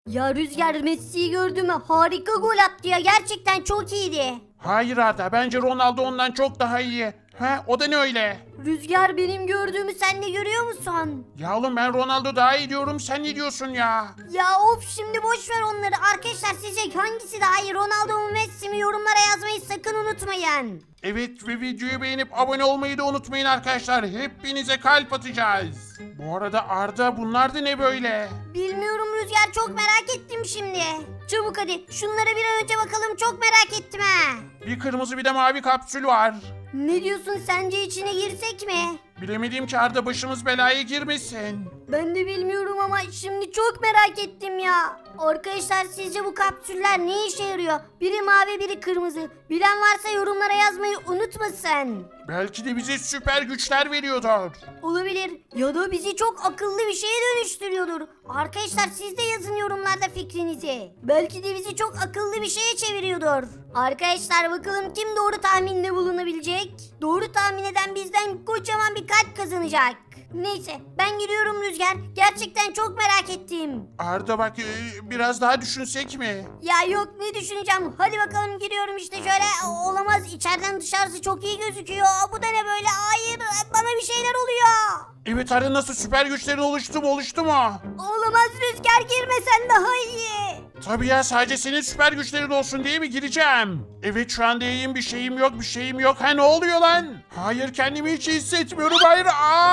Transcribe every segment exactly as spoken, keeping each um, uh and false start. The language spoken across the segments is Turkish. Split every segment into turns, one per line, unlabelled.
Ya Rüzgar Messi'yi gördün mü? Harika gol attı ya. Gerçekten çok iyiydi.
Hayır Arda, bence Ronaldo ondan çok daha iyi. Ha, o da ne öyle?
Rüzgar benim gördüğümü sen de görüyor musun?
Ya oğlum ben Ronaldo daha iyi diyorum, sen ne diyorsun ya?
Ya of şimdi boş ver onları. Arkadaşlar sizce hangisi daha iyi? Ronaldo mu Messi mi? Yorumlara yazmayı sakın unutmayın.
Evet ve videoyu beğenip abone olmayı da unutmayın arkadaşlar. Hepinize kalp atacağız. Bu arada Arda, bunlar da ne böyle?
Bilmiyorum Rüzgar, çok merak ettim şimdi. Çabuk hadi şunlara bir an önce bakalım, çok merak ettim ha.
Bir kırmızı bir de mavi kapsül var.
Ne diyorsun, sence içine girsek mi?
Bilemediğim ki Arda, başımız belaya girmesin.
Ben de bilmiyorum ama şimdi çok merak ettim ya. Arkadaşlar sizce bu kapsüller ne işe yarıyor? Biri mavi biri kırmızı. Bilen varsa yorumlara yazmayı unutmasın.
Belki de bize süper güçler veriyordur.
Olabilir ya da bizi çok akıllı bir şeye dönüştürüyordur. Arkadaşlar siz de yazın yorumlarda fikrinizi. Belki de bizi çok akıllı bir şeye çeviriyordur. Arkadaşlar bakalım kim doğru tahminde bulunabilecek? Doğru tahmin eden bizden kocaman bir kalp kazanacak. Neyse ben gidiyorum Rüzgar. Gerçekten çok merak ettim.
Arda bak, e, biraz daha düşünsek mi?
Ya yok ne düşüneceğim. Hadi bakalım giriyorum işte şöyle. O- Olamaz, içeriden dışarısı çok iyi gözüküyor. Bu da ne böyle? Hayır, bana bir şeyler oluyor.
Evet Arda, nasıl, süper güçlerin oluştu mu oluştu mu?
Olamaz Rüzgar, girmesen daha iyi.
Tabii ya, sadece senin süper güçlerin olsun diye mi gireceğim? Evet, şu anda iyiyim, bir şeyim yok bir şeyim yok. Ha, ne oluyor lan? Hayır, kendimi hiç iyi hissetmiyorum, hayır.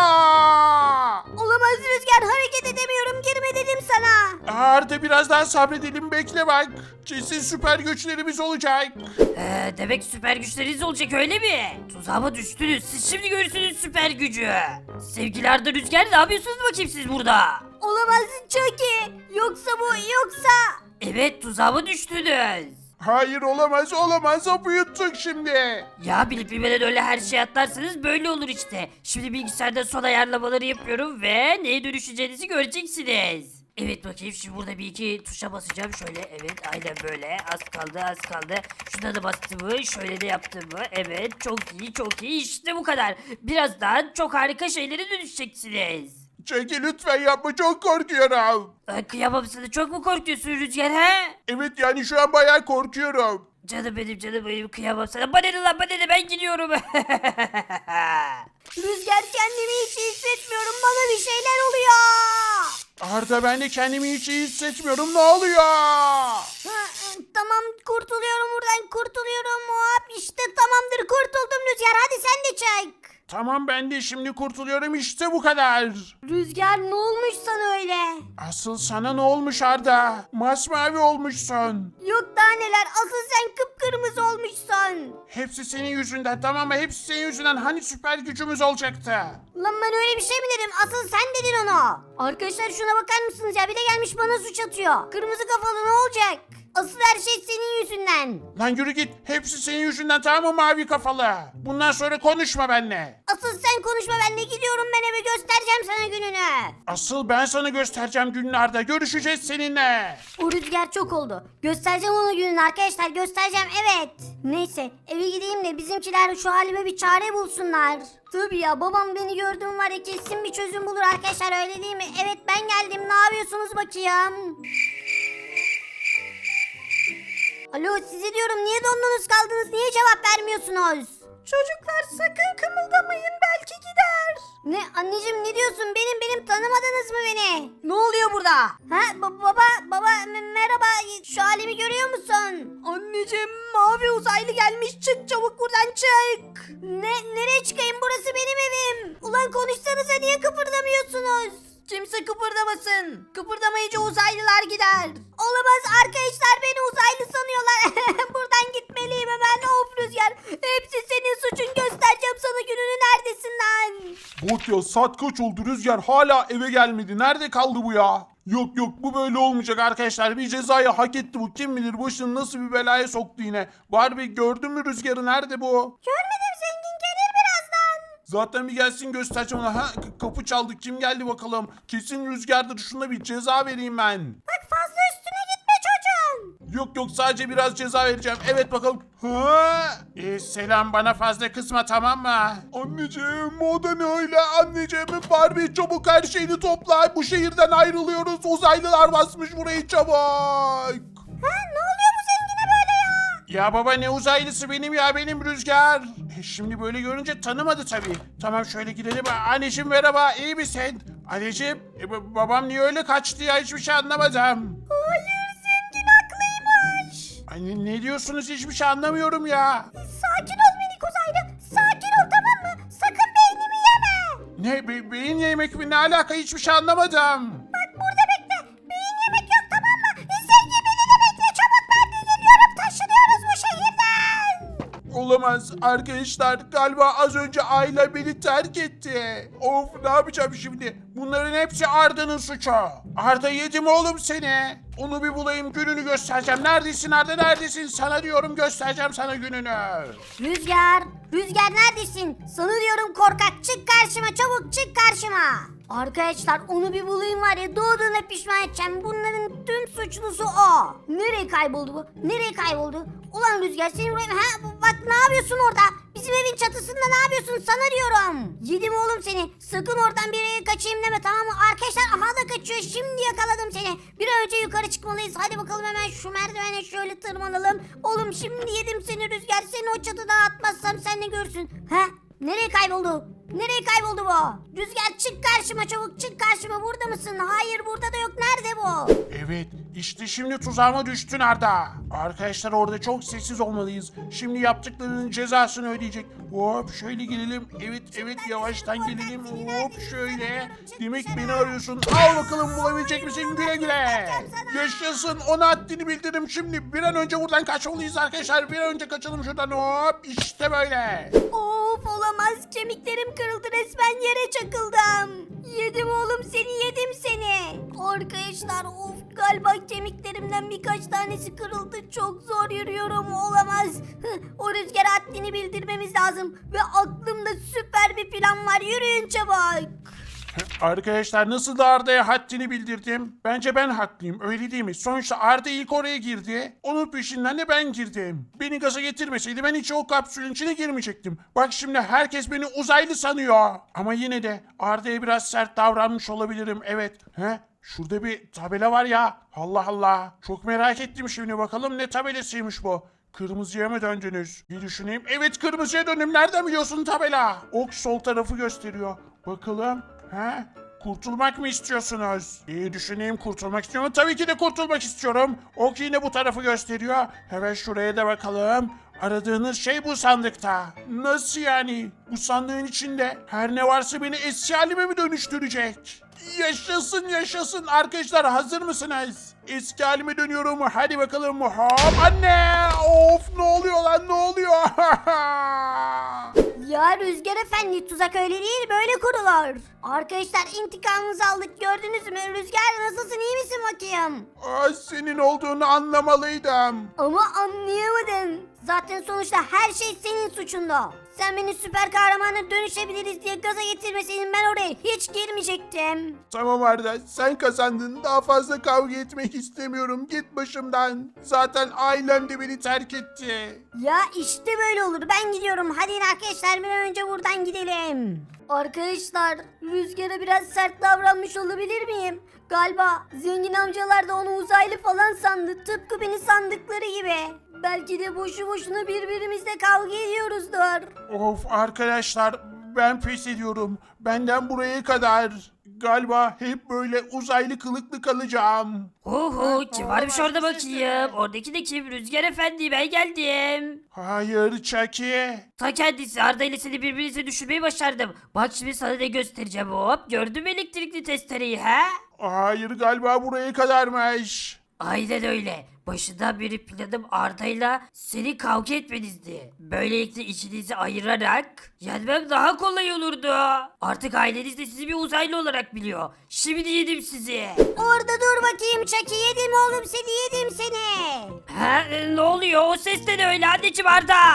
Aa!
Olamaz Rüzgar, hareket edemiyorum, girme dedim sana.
Arda, biraz daha sabredelim, bekle bak. Kesin süper güçlerimiz olacak.
Ee, demek süper güçleriniz olacak öyle mi? Tuzağıma düştünüz. Siz şimdi görürsünüz süper gücü. Sevgili Arda Rüzgar, ne yapıyorsunuz bakayım siz burada?
Olamaz Chucky. Yoksa bu yoksa.
Evet, tuzağıma düştünüz.
Hayır, olamaz olamaz, hapı yuttuk şimdi.
Ya bilip bilmeden öyle her şeye atlarsanız böyle olur işte. Şimdi bilgisayarda son ayarlamaları yapıyorum ve neye dönüşeceğinizi göreceksiniz. Evet bakayım, şimdi burada bir iki tuşa basacağım şöyle, evet aynen böyle, az kaldı az kaldı. Şuna da bastım mı, şöyle de yaptım mı, evet çok iyi çok iyi, işte bu kadar. Birazdan çok harika şeylere dönüşeceksiniz.
Çekil lütfen, yapma, çok korkuyorum.
Ay, kıyamam sana, çok mu korkuyorsun Rüzgar he?
Evet, yani şu an bayağı korkuyorum.
Canım benim canım benim, kıyamam sana. Bana ne lan, bana ne, ben gidiyorum.
Rüzgar, kendimi hiç iyi hissetmiyorum, bana bir şeyler oluyor.
Arda, ben de kendimi hiç iyi hissetmiyorum, ne oluyor?
Ha, tamam kurtuluyorum buradan, kurtuluyorum. Hop işte tamamdır, kurtuldum Rüzgar, hadi sen de çek.
Tamam, ben de şimdi kurtuluyorum, işte bu kadar.
Rüzgar ne olmuş sana öyle?
Asıl sana ne olmuş Arda? Masmavi olmuşsun.
Yok daha neler, asıl sen kıpkırmızı olmuşsun.
Hepsi senin yüzünden, tamam mı? Hepsi senin yüzünden. Hani süper gücümüz olacaktı?
Lan ben öyle bir şey mi dedim? Asıl sen dedin onu. Arkadaşlar şuna bakar mısınız ya? Bir de gelmiş bana suç atıyor. Kırmızı kafalı ne olacak? Asıl her şey senin yüzünden.
Lan yürü git. Hepsi senin yüzünden, tamam mı mavi kafalı? Bundan sonra konuşma benimle.
Asıl sen konuşma, ben de gidiyorum, ben eve göstereceğim sana gününü.
Asıl ben sana göstereceğim günlerde. Görüşeceğiz seninle.
O Rüzgar çok oldu. Göstereceğim ona gününü arkadaşlar, göstereceğim, evet. Neyse eve gideyim de bizimkiler şu halime bir çare bulsunlar. Tabii ya, babam beni gördüğüm var ya, kesin bir çözüm bulur arkadaşlar, öyle değil mi? Evet ben geldim, ne yapıyorsunuz bakayım? Alo sizi diyorum, niye dondunuz kaldınız, niye cevap vermiyorsunuz? Çocuklar sakın kımıldamayın, belki gider. Ne anneciğim, ne diyorsun, benim benim tanımadınız mı beni? Ne oluyor burada? Ha ba- baba baba m- merhaba, şu halimi görüyor musun? Anneciğim mavi uzaylı gelmiş, çık çabuk buradan çık. Ne nereye çıkayım, burası benim evim. Ulan konuşsanıza, niye kıpırdamıyorsunuz? Kimse kıpırdamasın. Kıpırdamayınca uzaylılar gider. Olamaz arkadaşlar, beni uzaylı sanıyorlar. Buradan gitmeliyim hemen. Of Rüzgar. Hepsi senin suçun, göstereceğim sana gününü, neredesin lan?
Bak ya, saat kaç oldu, Rüzgar hala eve gelmedi. Nerede kaldı bu ya? Yok yok, bu böyle olmayacak arkadaşlar. Bir cezayı hak etti bu. Kim bilir başını nasıl bir belaya soktu yine. Barbie, gördün mü Rüzgar'ı, nerede bu?
Görmedim, zengin gelir birazdan.
Zaten bir gelsin göstereceğim ona. Ha, k- kapı çaldı, kim geldi bakalım. Kesin Rüzgar'dır, şuna bir ceza vereyim ben.
Bak fazla üstüne gitme çocuğum.
Yok yok sadece biraz ceza vereceğim. Evet bakalım. Ha? Ee, selam bana fazla kısma tamam mı? Anneciğim o da ne öyle anneciğim? Barbie çabuk her şeyini topla. Bu şehirden ayrılıyoruz. Uzaylılar basmış burayı çabuk.
Ha, ne oluyor bu zengine böyle ya?
Ya baba ne uzaylısı benim ya benim Rüzgar. E, şimdi böyle görünce tanımadı tabii. Tamam şöyle gidelim. Anneciğim merhaba iyi misin? Anneciğim e, ba- babam niye öyle kaçtı ya hiçbir şey anlamadım.
Hayır, zengin haklıymış.
Anne ne diyorsunuz hiçbir şey anlamıyorum ya.
Sakin ol minik uzaylı. Sakin ol tamam mı? Sakın beynimi yeme.
Ne be- beyin yemek mi ne alaka hiçbir şey anlamadım.
Bak burada bekle. Beyin yemek yok tamam mı? Zengin beni de bekle. Çabuk ben de geliyorum. Taşınıyoruz bu şehirden.
Olamaz arkadaşlar galiba az önce aile beni terk etti. Of ne yapacağım şimdi? Bunların hepsi Arda'nın suçu. Arda yedim oğlum seni. Onu bir bulayım gününü göstereceğim. Neredesin Arda neredesin? Sana diyorum göstereceğim sana gününü.
Rüzgar, Rüzgar neredesin? Sana diyorum korkak çık karşıma çabuk çık karşıma. Arkadaşlar onu bir bulayım var ya doğduğuna pişman edeceğim. Bunların tüm suçlusu o. Nereye kayboldu bu? Nereye kayboldu? Ulan Rüzgar seni buraya... Ha bak ne yapıyorsun orada? Bizim evin çatısında ne yapıyorsun sana diyorum. Yedim oğlum seni. Sakın oradan bir yere kaçayım deme tamam mı? Arkadaşlar aha da kaçıyor. Şimdi yakaladım seni. Bir an önce yukarı çıkmalıyız. Hadi bakalım hemen şu merdivene şöyle tırmanalım. Oğlum şimdi yedim seni Rüzgar. Seni o çatıdan atmazsam sen ne görsün? Ha? Nereye kayboldu? Nereye kayboldu bu? Rüzgar çık karşıma çabuk çık karşıma. Burada mısın? Hayır burada da yok. Nerede bu?
Evet işte şimdi tuzağıma düştün Arda. Arkadaşlar orada çok sessiz olmalıyız. Şimdi yaptıklarının cezasını ödeyecek. Hop şöyle gelelim. Evet evet yavaştan gelelim. Hop şöyle. Demek beni arıyorsun. Al bakalım bulabilecek misin güle güle. Yaşasın ona haddini bildirim şimdi. Bir an önce buradan kaçmalıyız arkadaşlar. Bir an önce kaçalım şuradan hop. İşte böyle.
Of olamaz. Kemiklerim kırıldı resmen yere çakıldım. Yedim oğlum seni yedim seni. Arkadaşlar of galiba kemiklerimden birkaç tanesi kırıldı. Çok zor yürüyorum olamaz. Hıh, o Rüzgar haddini bildirmemiz lazım. Ve aklımda süper bir plan var. Yürüyün çabuk.
Arkadaşlar nasıl da Arda'ya haddini bildirdim? Bence ben haklıyım öyle değil mi? Sonuçta Arda ilk oraya girdi. Onun peşinden de ben girdim. Beni gaza getirmeseydi ben hiç o kapsülün içine girmeyecektim. Bak şimdi herkes beni uzaylı sanıyor. Ama yine de Arda'ya biraz sert davranmış olabilirim evet. He? Şurada bir tabela var ya. Allah Allah. Çok merak ettim şimdi bakalım ne tabelasıymış bu. Kırmızıya mı döndünüz? Bir düşüneyim. Evet kırmızıya döndüm. Nereden biliyorsun tabela? Ok sol tarafı gösteriyor. Bakalım. He? Kurtulmak mı istiyorsunuz? İyi düşüneyim kurtulmak istiyorum. Tabii ki de kurtulmak istiyorum. Ok yine bu tarafı gösteriyor. Hemen şuraya da bakalım. Aradığınız şey bu sandıkta. Nasıl yani? Bu sandığın içinde her ne varsa beni eski halime mi dönüştürecek? Yaşasın yaşasın arkadaşlar hazır mısınız? Eski halime dönüyorum. Hadi bakalım. Hop anne. Of ne oluyor lan ne oluyor?
Ya Rüzgar Efendi tuzak öyle değil böyle kurulur. Arkadaşlar intikamımızı aldık gördünüz mü? Rüzgar nasılsın iyi misin bakayım?
Aa, senin olduğunu anlamalıydım.
Ama anlayamadım. Zaten sonuçta her şey senin suçunda. Sen beni süper kahramana dönüşebiliriz diye gaza getirmeseydin ben oraya hiç girmeyecektim.
Tamam Arda sen kazandın. Daha fazla kavga etmek istemiyorum. Git başımdan. Zaten ailem de beni terk etti.
Ya işte böyle olur ben gidiyorum. Hadi yine arkadaşlar bir an önce buradan gidelim. Arkadaşlar Rüzgar'a biraz sert davranmış olabilir miyim? Galiba zengin amcalar da onu uzaylı falan sandı. Tıpkı beni sandıkları gibi. Belki de boşu boşuna birbirimizle kavga ediyoruzdur.
Of arkadaşlar ben pes ediyorum. Benden buraya kadar. Galiba hep böyle uzaylı kılıklı kalacağım.
Oho kim varmış orada bakayım. Oradaki de kim? Rüzgar Efendi ben geldim.
Hayır Chucky.
Ta kendisi Arda ile seni birbirinize düşürmeyi başardım. Bak şimdi sana da göstereceğim hop. Gördün mü elektrikli testereyi he?
Hayır galiba buraya kadarmış.
Aynen öyle. Başından beri planım Arda'yla seni kavga etmenizdi. Böylelikle içinizi ayırarak yenmem daha kolay olurdu. Artık aileniz de sizi bir uzaylı olarak biliyor. Şimdi yedim sizi.
Orada dur bakayım Çaki yedim oğlum seni yedim seni.
Ha, e, ne oluyor? O ses de ne öyle anneciğim Arda?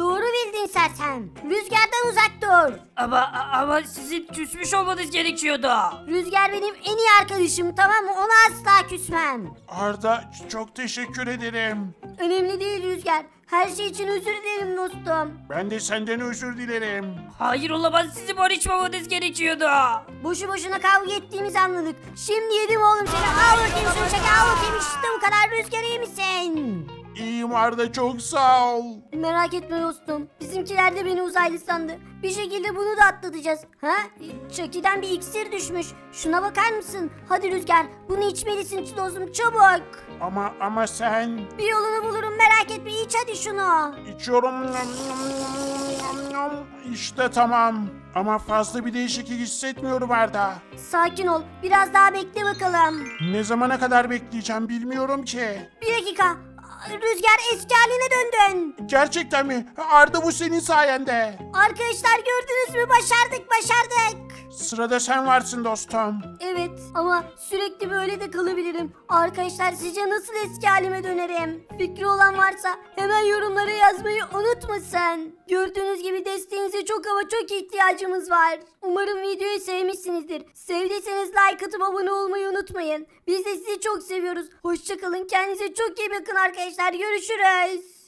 Doğru bildin sersem. Rüzgardan uzak dur.
Ama ama sizin küsmüş olmanız gerekiyordu.
Rüzgar benim en iyi arkadaşım, tamam mı? Ona asla küsmem.
Arda çok teşekkür ederim.
Önemli değil Rüzgar. Her şey için özür dilerim dostum.
Ben de senden özür dilerim.
Hayır olamaz, sizi barışmamanız gerekiyordu.
Boşu boşuna kavga ettiğimizi anladık. Şimdi yedim oğlum seni. Al bakayım şunu çek, al bakayım, işte bu kadar. Rüzgar, iyi misin?
İyiyim Arda, çok sağ ol.
Merak etme dostum. Bizimkiler de beni uzaylı sandı. Bir şekilde bunu da atlatacağız. Ha? Chucky'den bir iksir düşmüş. Şuna bakar mısın? Hadi Rüzgar, bunu içmelisin dostum, çabuk.
Ama ama sen...
Bir yolunu bulurum, merak etme. İç hadi şunu.
İçiyorum. İşte tamam. Ama fazla bir değişiklik hissetmiyorum Arda.
Sakin ol. Biraz daha bekle bakalım.
Ne zamana kadar bekleyeceğim bilmiyorum ki.
Bir dakika. Rüzgar, eski haline döndün.
Gerçekten mi? Arda, bu senin sayende.
Arkadaşlar, gördünüz mü? Başardık, başardık.
Sırada sen varsın dostum.
Evet, ama sürekli böyle de kalabilirim. Arkadaşlar, sizce nasıl eski halime dönerim? Fikri olan varsa hemen yorumlara yazmayı unutmasın. Gördüğünüz gibi desteğinize çok ama çok ihtiyacımız var. Umarım videoyu sevmişsinizdir. Sevdiyseniz like atıp abone olmayı unutmayın. Biz de sizi çok seviyoruz. Hoşçakalın, kendinize çok iyi bakın arkadaşlar. Görüşürüz.